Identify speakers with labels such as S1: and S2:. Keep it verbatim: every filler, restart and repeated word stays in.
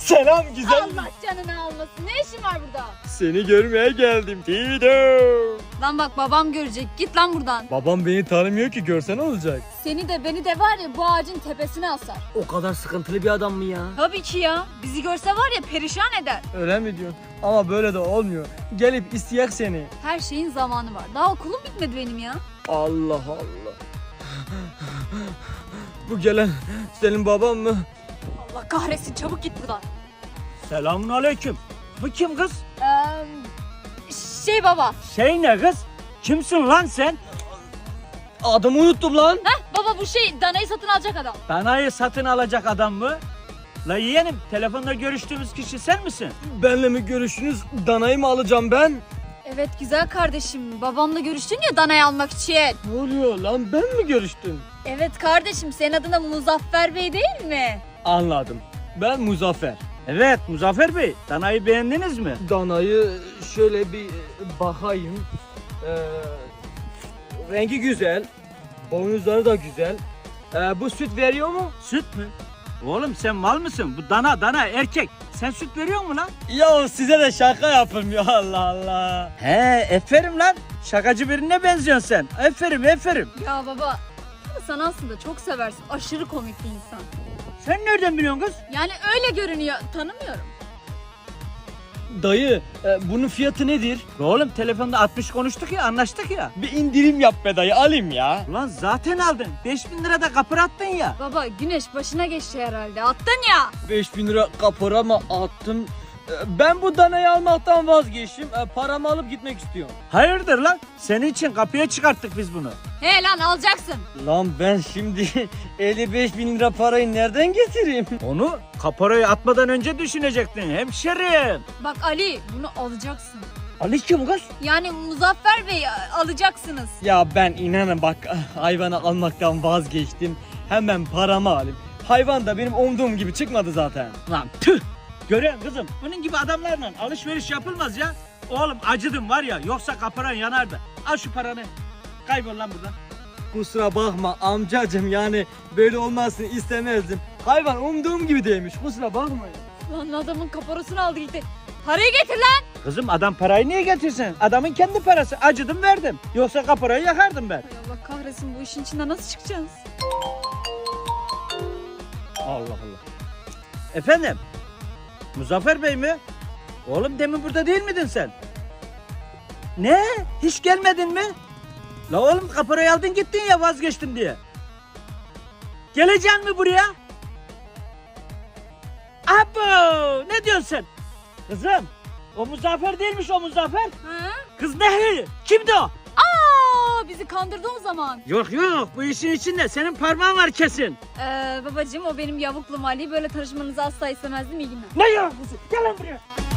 S1: Selam güzel.
S2: Allah canını almasın. Ne işin var burada?
S1: Seni görmeye geldim Tito.
S2: Lan bak babam görecek. Git lan buradan.
S1: Babam beni tanımıyor ki, görsen olacak.
S2: Seni de beni de var ya bu ağacın tepesine asar.
S3: O kadar sıkıntılı bir adam mı ya?
S2: Tabii ki ya. Bizi görse var ya perişan eder.
S1: Öyle mi diyorsun? Ama böyle de olmuyor. Gelip isteyek seni.
S2: Her şeyin zamanı var. Daha okulum bitmedi benim ya.
S1: Allah Allah. Bu gelen senin baban mı?
S2: Allah kahretsin, çabuk git buradan.
S3: Selamun aleyküm. Bu kim kız?
S2: Ee, şey baba.
S3: Şey ne kız? Kimsin lan sen?
S1: Adımı unuttum lan.
S2: Heh baba, bu şey danayı satın alacak adam.
S3: Danayı satın alacak adam mı? La yeğenim, telefonda görüştüğümüz kişi sen misin?
S1: Benle mi görüşünüz? Danayı mı alacağım ben?
S2: Evet güzel kardeşim. Babamla görüştün ya danayı almak için.
S1: Ne oluyor lan, ben mi görüştüm?
S2: Evet kardeşim, senin adına Muzaffer Bey değil mi?
S1: Anladım. Ben Muzaffer.
S3: Evet Muzaffer Bey, danayı beğendiniz mi?
S1: Danayı şöyle bir bakayım. Ee, rengi güzel. Boynuzları da güzel. Ee, bu süt veriyor mu?
S3: Süt mü? Oğlum sen mal mısın? Bu dana dana erkek. Sen süt veriyor mu lan?
S1: Ya size de şaka yapayım ya, Allah Allah.
S3: He, aferin lan. Şakacı birine benziyorsun sen. Aferin, aferin.
S2: Ya baba, sen aslında çok seversin. Aşırı komik bir insan.
S3: Sen nereden biliyorsun kız?
S2: Yani öyle görünüyor. Tanımıyorum.
S1: Dayı, e, bunun fiyatı nedir?
S3: Oğlum telefonda altmış konuştuk ya, anlaştık ya.
S1: Bir indirim yap be dayı, alayım ya.
S3: Ulan zaten aldın. beş bin lira da kapır attın ya.
S2: Baba, güneş başına geçti herhalde. Attın ya.
S1: beş bin lira kapora mı attım? E, Ben bu danayı almaktan vazgeçtim. E, Paramı alıp gitmek istiyorum.
S3: Hayırdır lan? Senin için kapıya çıkarttık biz bunu.
S2: He lan, alacaksın.
S1: Lan ben şimdi elli beş bin lira parayı nereden getireyim?
S3: Onu kaporayı atmadan önce düşünecektin hemşerim.
S2: Bak Ali, bunu alacaksın.
S3: Ali kim kız?
S2: Yani Muzaffer Bey alacaksınız.
S1: Ya ben inanın bak, hayvanı almaktan vazgeçtim. Hemen paramı alayım. Hayvan da benim umduğum gibi çıkmadı zaten.
S3: Lan tüh! Görüyorsun kızım, bunun gibi adamlarla alışveriş yapılmaz ya. Oğlum acıdım var ya, yoksa kaparan yanardı. Al şu paranı. Kaybol lan buradan.
S1: Kusura bakma amcacım, yani böyle olmasını istemezdim. Hayvan umduğum gibi değilmiş, kusura bakmayın.
S2: Lan adamın kaporasını aldı gitti. Parayı getir lan.
S3: Kızım adam parayı niye getirsin? Adamın kendi parası. Acıdım verdim. Yoksa kaporayı yakardım ben.
S2: Ay Allah kahretsin, bu işin içinden nasıl çıkacağız?
S3: Allah Allah. Efendim? Muzaffer Bey mi? Oğlum demin burada değil miydin sen? Ne? Hiç gelmedin mi? La oğlum kaporayı aldın gittin ya, vazgeçtim diye. Geleceksin mi buraya? Abo! Ne diyorsun sen? Kızım, o Muzaffer değilmiş o Muzaffer.
S2: Ha?
S3: Kız Nehri. Kimdi o?
S2: Aa, bizi kandırdı o zaman.
S3: Yok yok, bu işin içinde senin parmağın var kesin.
S2: Ee, babacığım, o benim yavuklum Ali. Böyle tanışmanızı asla istemezdim. İyi günler.
S3: Ne yok kızı? Gel lan buraya.